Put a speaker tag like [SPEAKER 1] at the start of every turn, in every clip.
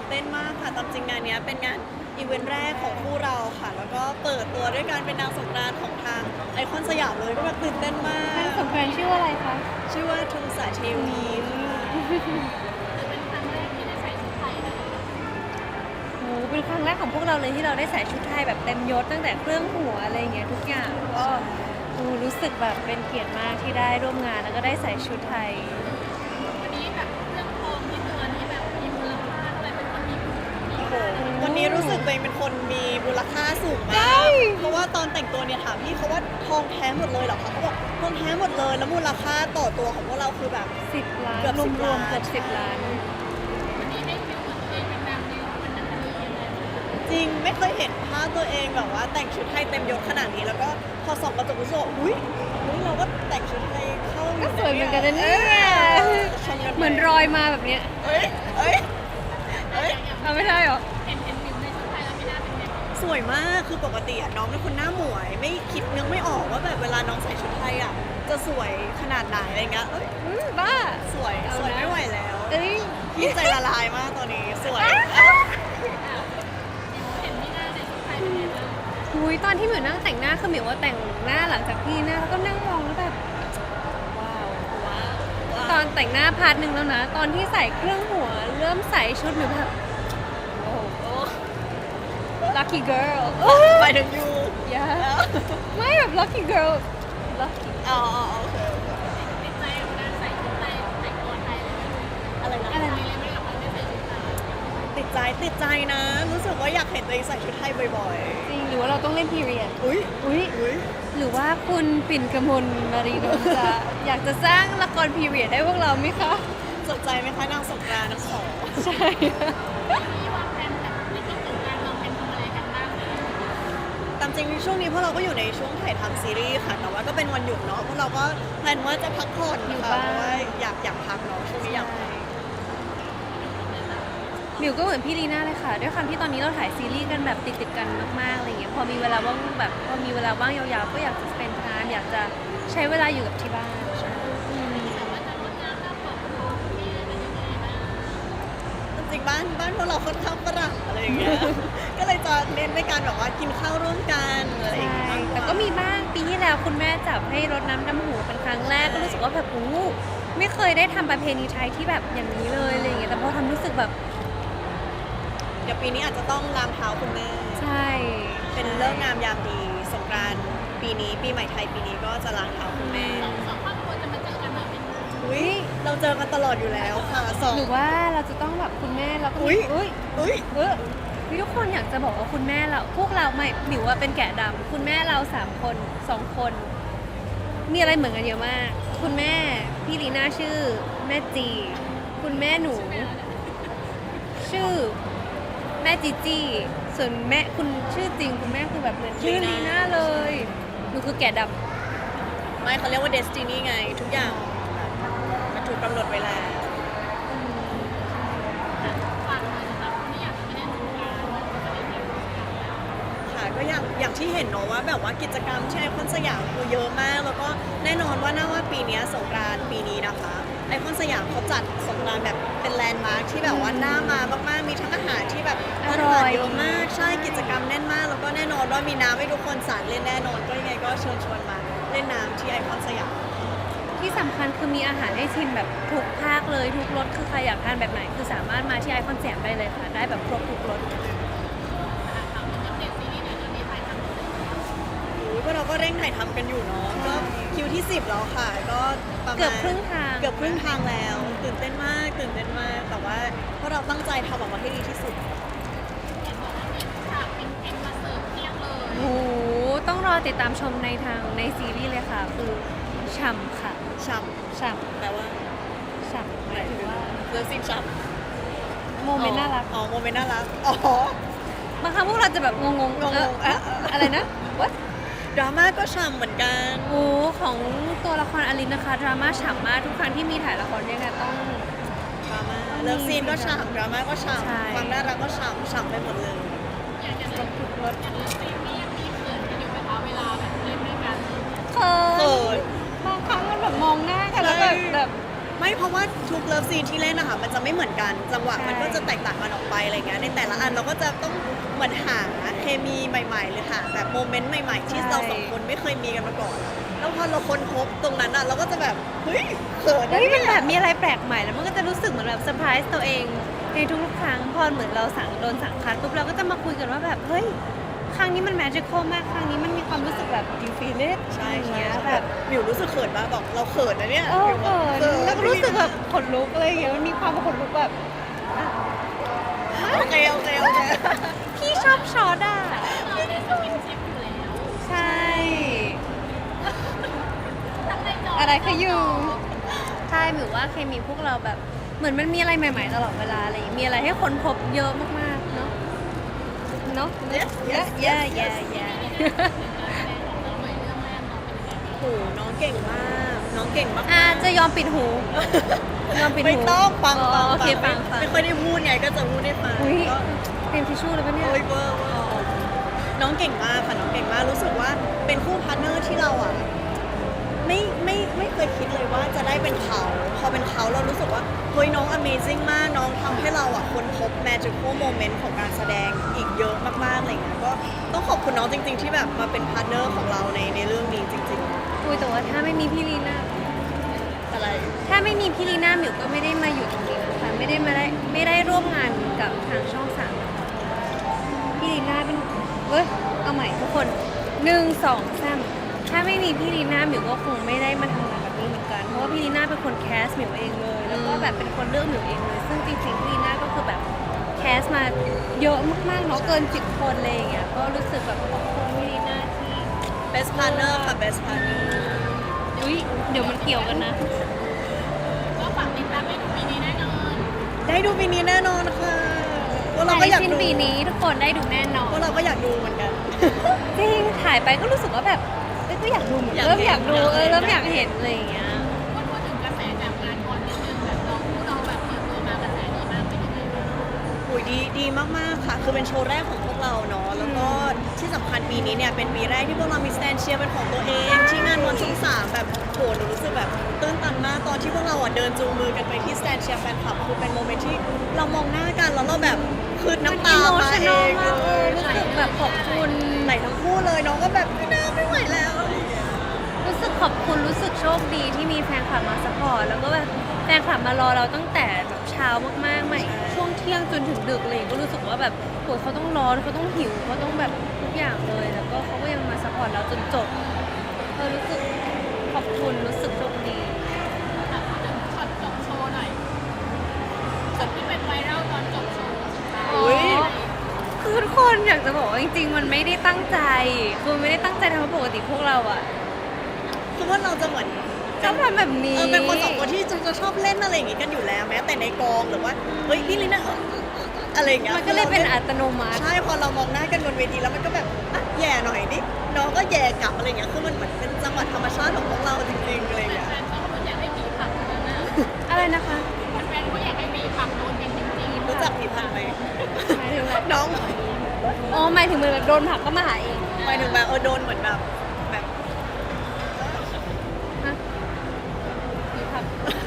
[SPEAKER 1] เต้นมากค่ะตามจริงงานนี้เป็นงานอีเวนต์แรกของคู่เราค่ะแล้วก็เปิดตัวด้วยการเป็นนางสงกรานต์ของทางไอคอนสยามเลยก็แบบตื่นเต้นมาก
[SPEAKER 2] นางสงกรานต์ชื่อว่าอะไรคะ
[SPEAKER 1] ชื่อว่าทุงสาเทวีค่ะ
[SPEAKER 3] เป็นครั้งแรกที่ได้ใส่ชุดไทยนะ
[SPEAKER 2] โอ้เป็นครั้งแรกของพวกเราเลยที่เราได้ใส่ชุดไทยแบบเต็มยศตั้งแต่เครื่องหัวอะไรอย่างเงี้ยทุกอย่างก็รู้สึกแบบเป็นเกียรติมากที่ได้ร่วมงานแล้วก็ได้ใส่ชุดไทย
[SPEAKER 3] วันนี้แบบเรื่องทองที่ตัวนี้แบบมีมูลค่าอะไรเป็นคนมี
[SPEAKER 1] โอ้โหวันนี้รู้สึกตัวเองเป็นคนมีมูลค่าสูง
[SPEAKER 2] ใช่
[SPEAKER 1] มากเพราะว่าตอนแต่งตัวเนี่ยถามพี่เขาว่าทองแท้หมดเลยเหรอคะเขาบอกทองแท้หมดเลยแล้วมูลค่าต่อตัวของพวกเราคือแบบ
[SPEAKER 2] 10 ล้าน
[SPEAKER 1] เกือบ
[SPEAKER 2] ร
[SPEAKER 1] 10
[SPEAKER 2] วมๆ
[SPEAKER 1] ล้าน
[SPEAKER 2] เกือบ10 ล้าน
[SPEAKER 3] วันนี้ได้ฟิลเหมือนตัวเองเป็นนางในวันนั้นนี้ยังไง
[SPEAKER 1] จริงไม่เคยเห็นภาพตัวเองแบบว่าแต่งชุดไทยเต็มยศขนาดนี้แล้วก็พอส่องกระจกรู้สึกว่าอุ้ยเราก็แต่งชุดไทยเข้า
[SPEAKER 2] ก็สวยเหมือนกันนะเนี่ย
[SPEAKER 1] ชมกันไป
[SPEAKER 2] เหมือนรอยมาแบบเนี้ย
[SPEAKER 1] เอ้ยเอ้ยเอ้ย
[SPEAKER 2] เอาไม่ได้หรอ
[SPEAKER 3] เห็นมิวในชุดไทยแล้วไม่น่าเป็นแบบ
[SPEAKER 1] สวยมากคือปกติอะน้องเป็นคนหน้าหมวย ไม่คิดนึกไม่ออกว่าแบบเวลาน้องใส่ชุดไทยอะจะสวยขนาดไหนอะไรเงี้ยเอ้ย
[SPEAKER 2] บ้า
[SPEAKER 1] สวย
[SPEAKER 2] เอานะ
[SPEAKER 1] สวยไม่ไหวแล้ว
[SPEAKER 2] เอ้ย
[SPEAKER 1] พี่ใจละลายมากตอนนี้สวย
[SPEAKER 3] เห็นที่หน้าในชุดไทยเป็นไงบ้าง
[SPEAKER 2] หุยตอนที่หมิวนั่งแต่งหน้าคือหมิวว่าแต่งหน้าหลังจากพี่หน้าแล้วก็นั่งมองแล้วแบบว้าว
[SPEAKER 1] ว้าว
[SPEAKER 2] ตอนแต่งหน้าพาร์ทหนึ่งแล้วนะ ตอนที่ใส่เครื่องหัวเริ่มใส่ชุดหมิวแบบโอ้โห lucky girl
[SPEAKER 1] ไปถึงยู
[SPEAKER 2] yeah ไม่แบบ lucky girl lucky
[SPEAKER 1] อ๋อโอเค
[SPEAKER 3] ติดใจกับการใส่ชุดไทยแต่งตัวไทยเลยไหม
[SPEAKER 1] อะไรนะ
[SPEAKER 3] อะไรเลยไม่กับการได้ใส่ชุดไทย
[SPEAKER 1] ติดใจนะ รู้สึกว่าอยากเห็นตัวเองใส่ชุดไทยบ่อย
[SPEAKER 2] จริงหรือว่าเราต้องเล่น period
[SPEAKER 1] ๆ อุ้ย
[SPEAKER 2] อุ้ย
[SPEAKER 1] อุ้ย
[SPEAKER 2] หรือว่าคุณปิ่นกมลมารีนนท์จะอยากจะสร้างละคร period ให้พวกเราไหมคะ
[SPEAKER 1] สนใจไหมคะนางสงกรานต์ทั้งสอง
[SPEAKER 2] ใช่
[SPEAKER 3] มีวางแผนแบบในช่วงสงกรานต์วางแผนทำอะไรกันบ้างเลย
[SPEAKER 1] ตามจริงช่วงนี้พวกเราก็อยู่ในช่วงถ่ายทำซีรีส์ค่ะ แต่ว่าก็เป็นวันหยุดเนาะพวกเราก็แพลนว่าจะพักผ่อน
[SPEAKER 2] อยู่
[SPEAKER 1] ค่ะ
[SPEAKER 2] บ้าน
[SPEAKER 1] เพราะว่าอยากพักเนาะช่วงนี้อยากพัก
[SPEAKER 2] หมิวก็เหมือนพี่ลีน่าเลยค่ะ ด้วยความที่ตอนนี้เราถ่ายซีรีส์กันแบบติดๆกันมากๆอะไรเงี้ยพอมีเวลาว่างแบบพอมีเวลาว่างยาวๆก็อยากจะ spend time อยากจะใช้เวลาอยู่กับที่บ้านอืม
[SPEAKER 3] แต่ว่าจะลดน้ำน้ำเปิดทองที่เป็นยังไงบ้าง
[SPEAKER 1] จริงๆบ้านพวกเราค่อนข้างฝรั่งอะไรอย่างเงี้ย ก็เลยจะเน้นในการแบบว่ากินข้าวร่วมกันอะไรอย่าง
[SPEAKER 2] ใช่
[SPEAKER 1] เงี้ย
[SPEAKER 2] แต่ก็มีบ้างปีที่แล้วคุณแม่จับให้รดน้ำดำหัวเป็นครั้งแรกก็รู้สึกว่าแบบอู้ไม่เคยได้ทำประเพณีไทยที่แบบอย่างนี้เลยอะไรอย่างเงี้ยแต่พอทำรู้สึกแบบ
[SPEAKER 1] เดี๋ยวปีนี้อาจจะต้องล้างเท้าคุณแม่
[SPEAKER 2] ใช่
[SPEAKER 1] เป็นเลิกษ์งามยามดีสงกรานต์ปีนี้ปีใหม่ไทยปีนี้ก็จะล้างเท้าคุณแม่
[SPEAKER 3] สองครอบครัวจะมาเจอกันแบบเป็น
[SPEAKER 1] อุ้ยเราเจอกันตลอดอยู่แล้วค่ะสอง
[SPEAKER 2] หรือว่าเราจะต้องแบบคุณแม่เราก็
[SPEAKER 1] อุ๊
[SPEAKER 2] มี
[SPEAKER 1] ย
[SPEAKER 2] อุ้ย
[SPEAKER 1] อุ้ย
[SPEAKER 2] พี่ทุกคนอยากจะบอกว่าคุณแม่เราพวกเราไม่หมิวว่าเป็นแกะดำคุณแม่เรา3 คน2 คน มีอะไรเหมือนกันเยอะมาก คุณแม่พี่ลีน่าชื่อแม่จี คุณแม่หนู ชื่อแม่จีจีส่วนแม่คุณชื่อจริงคุณแม่คือแบบเหมือนชื่อลีน่าเลยหนูคือแกะดำ
[SPEAKER 1] ไม่เขาเรียกว่าเดสตินีไง ทุกอย่างมันถูกกำหนดไว้แล้ว
[SPEAKER 3] ฟังหน่อยนะคะไม่อยากจะไม่ได้สงกรานต์จะได้เที่ยวสงกรานต์
[SPEAKER 1] ค่ะก็อย่างที่เห็นเนาะว่าแบบว่ากิจกรรมที่ไอคอนสยามคือเยอะมาก แล้วก็แน่นอนว่าน่าว่าปีเนี้ยสงกรานต์ปีนี้นะคะไอคอนสยามเขาจัดสงกรานต์แบบเป็นแลนด์มาร์คที่แบบว่าน่ามามากๆมีทั้งอาหารที่แบบ
[SPEAKER 2] อร่อย
[SPEAKER 1] เยอะมากใช่กิจกรรมแน่นมาก แล้วก็แน่นอนว่ามีน้ำให้ทุกคนสาดเล่นแน่นอนก็ยังไงก็เชิญชวนมาเล่นน้ำที่ไอคอนสยาม
[SPEAKER 2] ที่สำคัญคือมีอาหารให้ชิมแบบทุกภาคเลยทุกรสคือใครอยากทานแบบไหนคือสามารถมาที่ไอคอนสยามได้เลยค่ะ ได้แบบครบทุกรส
[SPEAKER 3] ถามถึงอัปเดตซีรีส์หน่อยตอนนี้ถ่ายทำเสร็จแล้ว
[SPEAKER 1] พวกเราก็เร่งถ่ายทำกันอยู่เนาะก็คิวที่ 10 แล้วค่ะ ก็ประมาณ
[SPEAKER 2] เกือบครึ่งทาง
[SPEAKER 1] เกือบครึ่งทางแล้ว ตื่นเต้นมากแต่ว่าพวกเราตั้งใจทำออกมาให้ดีที่สุด
[SPEAKER 3] เห็นบอกว่ามีฉากเป็นเพลงมาเสิร์ฟเที่ยงเลย
[SPEAKER 2] โอ้โหต้องรอติดตามชมในซีรีส์เลยค่ะ คือฉ่ำค่ะ
[SPEAKER 1] ช่
[SPEAKER 2] ฉ่
[SPEAKER 1] ำแปลว่า
[SPEAKER 2] ำฉ่ำหมายถึงว่า
[SPEAKER 1] เลิฟซีนช่
[SPEAKER 2] โม
[SPEAKER 1] ำ
[SPEAKER 2] เมนต์น่ารัก
[SPEAKER 1] อ๋อโมเมนต์น่ารักอ๋อบ
[SPEAKER 2] างครั้งพวกเราจะแบบงง
[SPEAKER 1] งง
[SPEAKER 2] อะไรนะ what
[SPEAKER 1] ดราม่าก็ช่ำเหมือนกัน
[SPEAKER 2] โอ้ของตัวละครอลินนะคะดราม่าฉ่ำมากทุกครั้งที่มีถ่ายละครด้วยกันต้อง
[SPEAKER 1] ดราม่าเลิฟซีนก็ช่ำดราม่าก็ช่
[SPEAKER 2] ใช่
[SPEAKER 1] ำความน่ารักก็ช่ำไปหมดเลย
[SPEAKER 3] อย่างเรื่องซีรีส์ยังมีเขินกันอยู่ไหมคะเวลาแบบเล่นด้วยกัน
[SPEAKER 2] เขิ
[SPEAKER 1] เขิ
[SPEAKER 2] น
[SPEAKER 1] น
[SPEAKER 2] บางครั้งมันแบบมองหน้ากันแล้ว
[SPEAKER 1] ใช่
[SPEAKER 2] แบบ
[SPEAKER 1] ไม่เพราะว่าทุกเลิฟซีนที่เล่นนะคะมันจะไม่เหมือนกันจังหวะ
[SPEAKER 2] ใช่
[SPEAKER 1] มันก็จะแตกต่างกันออกไปอะไรเงี้ยในแต่ละอันเราก็จะต้องเหมือนหาเคมีใหม่ๆหรือหาแบบโมเมนต์ใหม่ๆ ที่เราสองคนไม่เคยมีกันมาก่อนแล้วพอเราค้นพบตรงนั้นอ่ะเราก็จะแบบเฮ้ยเขินนะ
[SPEAKER 2] เฮ้ยมัน
[SPEAKER 1] เนี่
[SPEAKER 2] แบ
[SPEAKER 1] ย
[SPEAKER 2] บมีอะไรแปลกใหม่แล้วมันก็จะรู้สึกเหมือนแบบเซอร์ไพรส์ตัวเองในทุกๆครั้งพอเหมือนเราโดนสั่งคัดปุ๊บเราก็จะมาคุยกันว่าแบบเฮ้ยครั้งนี้มันแมจิคอลมากครั้งนี้มันมีความรู้สึกแบบดีฟีเลต
[SPEAKER 1] ใช่
[SPEAKER 2] อย่าง
[SPEAKER 1] ใช่
[SPEAKER 2] เงี้ย
[SPEAKER 1] ใช่
[SPEAKER 2] แบ
[SPEAKER 1] แบบ บมิวรู้สึกเขินมากบอกเราเขินนะเนี่ย
[SPEAKER 2] เออ
[SPEAKER 1] มิวบอก
[SPEAKER 2] เขินแล้วก็รู้สึกแบบขนลุกอะไรอย่างเงี้ยมันมีความขนลุกแบบอ่ะ
[SPEAKER 1] โอเคโอเคโอเค
[SPEAKER 2] พี่ชอบช็อตอ่ะ
[SPEAKER 3] เราได้สกินชิปอยู่แล้ว
[SPEAKER 2] ใช่
[SPEAKER 3] ทั้งในจอ
[SPEAKER 2] อะไรคะอยู่ใช่หมิวว่าเคมีพวกเราแบบเหมือนมันมีอะไรใหม่ๆตลอดเวลาอะไรอย่างเงี้ยมีอะไรให้ค้นพบเยอะมากๆเนาะเนาะ
[SPEAKER 1] Yes, yes,
[SPEAKER 2] yeah
[SPEAKER 1] yes,
[SPEAKER 2] yeah
[SPEAKER 1] yes.
[SPEAKER 2] yeah
[SPEAKER 1] โอ้โหน้องเก่งมากน้องเก่งมาก
[SPEAKER 2] จะยอมปิดหูยอมปิดหู
[SPEAKER 1] ไม่ต้องฟัง
[SPEAKER 2] อ๋อโอเคฟัง
[SPEAKER 1] ไม่ค่อยได้พูดไงก็จะพูดได้ฟัง
[SPEAKER 2] อุ้ย
[SPEAKER 1] ก็
[SPEAKER 2] เต็มทิชชู่เลยปะเนี่ย
[SPEAKER 1] โอ้ยเวอร์เวอร์น้องเก่งมากค่ะน้องเก่งมากรู้สึกว่าเป็นคู่พาร์ทเนอร์ที่เราอ่ะไม่เคยคิดเลยว่าจะได้เป็นเขาพอเป็นเขาเรารู้สึกว่าเฮ้ยน้อง Amazing มากน้องทำให้เราอ่ะค้นพบ magical moment ของการแสดงอีกเยอะมากๆอะไรเงี้ยก็ต้องขอบคุณน้องจริง ๆ ที่แบบมาเป็นพาร์ทเนอร์ของเราในเรื่องนี้จริง
[SPEAKER 2] อุ้ยแต่ว่าถ้าไม่มีพี่ลีน่า
[SPEAKER 1] ๆอะไร
[SPEAKER 2] ถ้าไม่มีพี่ลีน่าหมิวก็ไม่ได้มาอยู่ตรงนี้นะคะไม่ได้ร่วมงานกับทางช่องสามนะคะพี่ลีน่าเป็นเว้ยเอาใหม่ทุกคน1 2 3ถ้าไม่มีพี่ลีน่าหมิวก็คงไม่ได้มาทำงานแบบนี้เหมือนกันเพราะว่าพี่ลีน่าเป็นคนแคสหมิวเองเลย แล้วก็แบบเป็นคนเลือกหมิวเองเลย ซึ่งจริงๆพี่ลีน่าก็คือแบบแคสมาเยอะมากๆเนาะเกิน10 คนเลยอย่างเงี้ยก็รู้สึกแบบขอบคุณพี่ลีน่าที่
[SPEAKER 1] best partner ค่ะ best partner
[SPEAKER 2] อุ้ยเดี๋ยวมันเกี่ยวกันนะ
[SPEAKER 3] ก็ฝากติดตามให้ดูปีนี้แน่นอน
[SPEAKER 1] ได้ดูปีนี้แน่นอนค่ะพวกเรา
[SPEAKER 2] ภาย
[SPEAKER 1] ก็
[SPEAKER 2] ใน
[SPEAKER 1] อยาก
[SPEAKER 2] สิ้น
[SPEAKER 1] ดู
[SPEAKER 2] ปีนี้ทุกคนได้ดูแน่นอน
[SPEAKER 1] พวกเราก็อยากดูเหมือนกัน
[SPEAKER 2] จริงถ่ายไปก็รู้สึกว่าแบบเอ้ยก็อยากดูเหมือน
[SPEAKER 1] อยาก
[SPEAKER 2] เริ่ม
[SPEAKER 1] เห็น
[SPEAKER 2] อยากดู
[SPEAKER 1] อยากเห็น
[SPEAKER 2] เริ่มอยากเห็นอะไรอย่างเงี้ย
[SPEAKER 3] พูดถึงกระแสจากงานคอนนิดนึงแบบเราแบบเปิดตัวมากระแสดีมากเป็นยังไงบ้าง
[SPEAKER 1] อุยดีมากๆค่ะ คือเป็นโชว์แรกของพวกเราเนาะแล้วก็ที่สำคัญปีนี้เนี่ยเป็นปีแรกที่พวกเรามีสแตนเชียร์เป็นของตัวเอง ที่งานวันช่องสามแบบโหหนูรู้สึกแบบตื้นตันมากตอนที่พวกเราอ่ะเดินจูงมือกันไปที่สแตนเชียร์แฟนคลับคือเป็นโมเมนต์ที่เรามองหน้ากันแล้วเราแบบคือน้ำตามาเอง
[SPEAKER 2] มาก
[SPEAKER 1] เล
[SPEAKER 2] รู้สึกแบบขอบคุณ
[SPEAKER 1] ไหลทั้งคู่เลยน้องก็แบบไม่น่าไม่ไหวแล้วอะไรอย่างเงี้ย
[SPEAKER 2] รู้สึกขอบคุณรู้สึกโชคดีที่มีแฟนคลับมาสปอร์ตแล้วก็แบบแฟนคลับมารอเราตั้งแต่แบบเช้ามากๆใหม่ช่วงเที่ยงจนถึงดึกเลยก็รู้สึกว่าแบบโหเขาต้องรอเขาต้องหิวเขาต้องแบบทุกอย่างเลย แล้วก็เขาก็ยังมาสปอร์ตเราจนจบรู้สึกขอบคุณรู้สึกโชคดี
[SPEAKER 3] อ่ะพูดถึงช็อตจบโชว์หน่อยช็อตที่เป็นไวรัลตอนจบโชว์สุดท้าย
[SPEAKER 1] อุ๊ย
[SPEAKER 2] คือทุกคนอยากจะบอกว่าจริงๆ มันไม่ได้ตั้งใจคือไม่ได้ตั้งใจทำเพราะปกติพวกเราอะ
[SPEAKER 1] คือว่าเราจะเหมือน
[SPEAKER 2] ชอบทำแบบนี้
[SPEAKER 1] เป็นคนสองคนที่จะชอบเล่นอะไรอย่างงี้กันอยู่แล้วแม้แต่ในกองหรือว่าเฮ้ยพี่ลิน่าอะไรอย่างเงี้ย
[SPEAKER 2] มันก็เลยเป็นอัตโนมัติ
[SPEAKER 1] ใช่พอเรามองหน้ากันบนเวทีแล้วมันก็แบบอ่ะแย่หน่อยดิน้องก็แย่กลับอะไรอย่างเงี้ยคือมันเหมือนเป็นจังหวะธรรมชาติของพวกเราจริงๆอะไรอย่างเงี้ย
[SPEAKER 3] แฟนๆเขาก็อยากให้มีผักกันนะ
[SPEAKER 2] อะไรนะคะ
[SPEAKER 3] แฟนๆเขาอยากให้มีผักโดนกันจริงๆ
[SPEAKER 1] รู้จักผิดพันไหม
[SPEAKER 2] หมายถึงอะไร
[SPEAKER 1] น้อง
[SPEAKER 2] อ๋อหมายถึงมันแบบโดนผลักก็มาหาเอง
[SPEAKER 1] หมายถึงแบบโดนเหมือนแบบแบบ
[SPEAKER 2] ฮะมีผลัก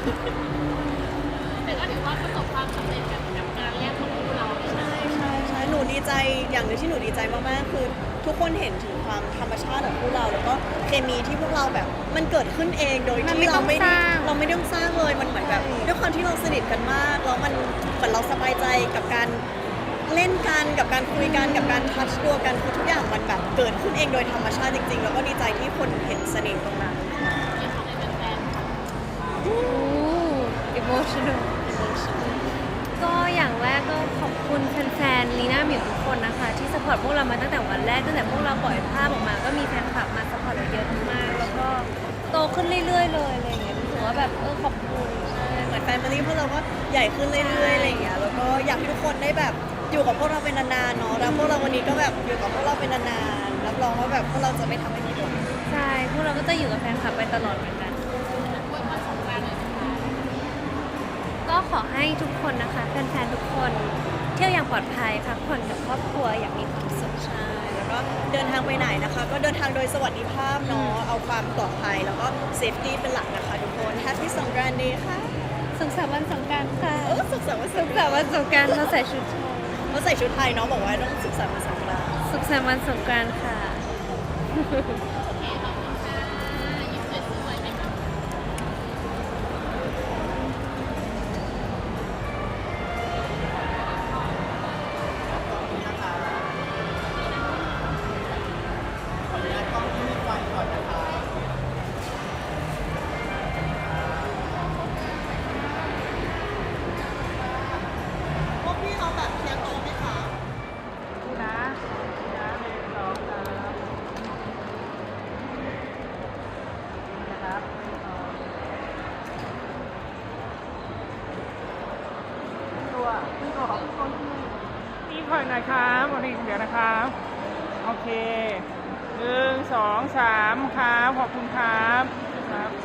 [SPEAKER 3] แต่ก็ถือว่าประสบความสำเร็จกับงานแรกของพวกเราใช่ไหม
[SPEAKER 1] ใช่หนูดีใจอย่างหนึงที่หนูดีใจมากๆคือทุกคนเห็นถึงความธรรมชาติของพวกเราแล้วก็เคมีที่พวกเราแบบมันเกิดขึ้นเองโดยที่เราไม่ได้ต้องสร้างเลยมันเหมือนแบบด้วยความที่เราสนิทกันมากแล้วมันเหมือนเราสบายใจกับการเล่นกันกับการคุยกันกับการทัชตัวกันคือทุกอย่างมันแบบเกิดขึ้นเองโดยธรรมชาติจริงๆ แล้วก็ดีใจที่คนเห็นเสน่ห์ตรงนั้น
[SPEAKER 3] ที่เขาได้เป็นแฟนค่ะ
[SPEAKER 2] อู้ emotional ก็อย่างแรกก็ขอบคุณแฟนๆลีน่าหมิวทุกคนนะคะ ที่สปอร์ตพวกเรามาตั้งแต่วันแรกตั้งแต่พวกเราปล่อยภาพออกมา ก็มีแฟนคลับมาสปอร์ตเราเยอะมากแล้วก็โตขึ้นเรื่อยๆเลยอะไรอย่างเงี้ยรู้สึกว่าแบบขอบคุณ
[SPEAKER 1] เหมือนแฟนมิลี่พวกเราก็ใหญ่ขึ้นเรื่อยๆอะไรอย่างเงี้ยแล้วก็อยากให้ทุกคนได้แบบอยู่กับพวกเราเป็นนานๆเนาะแล้วพวกเราวันนี้ก็แบบอยู่กับพวกเราเป็นนานๆรับรองว่าแบบพวกเราจะไม่ทำให้ผิดหวัง
[SPEAKER 2] ใช่พวกเราก็จะอยู่กับแฟนคลับไปตลอดเหมือนกัน
[SPEAKER 3] อวยพรสงกรานต์หน่อยสิคะ
[SPEAKER 2] ก็ขอให้ทุกคนนะคะแฟนๆทุกคนเที่ยวอย่างปลอดภัยพักผ่อนกับครอบครัวอย่างมีความสุข
[SPEAKER 1] ใช่แล้วก็เดินทางไปไหนนะคะ ก็เดินทางโดยสวัสดิภาพเนาะเอาความปลอดภัยแล้วก็เซฟตี้เป็นหลักนะคะทุกคน Happy สงกรานต์ Day ค่ะ
[SPEAKER 2] สุขสันต์วันสงกรานต์ค่ะ
[SPEAKER 1] สุขสันต์วันส
[SPEAKER 2] สุ
[SPEAKER 1] ง
[SPEAKER 2] ข
[SPEAKER 1] ก
[SPEAKER 2] สั
[SPEAKER 1] ราน
[SPEAKER 2] ต์
[SPEAKER 1] ต์
[SPEAKER 2] วันสงกรานต์เราใส่ชุดไทย
[SPEAKER 1] เขาใส่ชุดไทยเนาะบอกว่าต้องสุขสันต์วันสงกรานต์
[SPEAKER 2] สุขสันต์วันสงกรานต์ค่ะ
[SPEAKER 3] ยิ้มสวยๆไหมคะ
[SPEAKER 1] พวกพี่เอาแบบเทียร์โตไหมคะ
[SPEAKER 4] นี่ผ่อนหน่อยครับวันนี้เดี๋ยวนะครับ โอเค1 2 3ครับขอบคุณครับครับ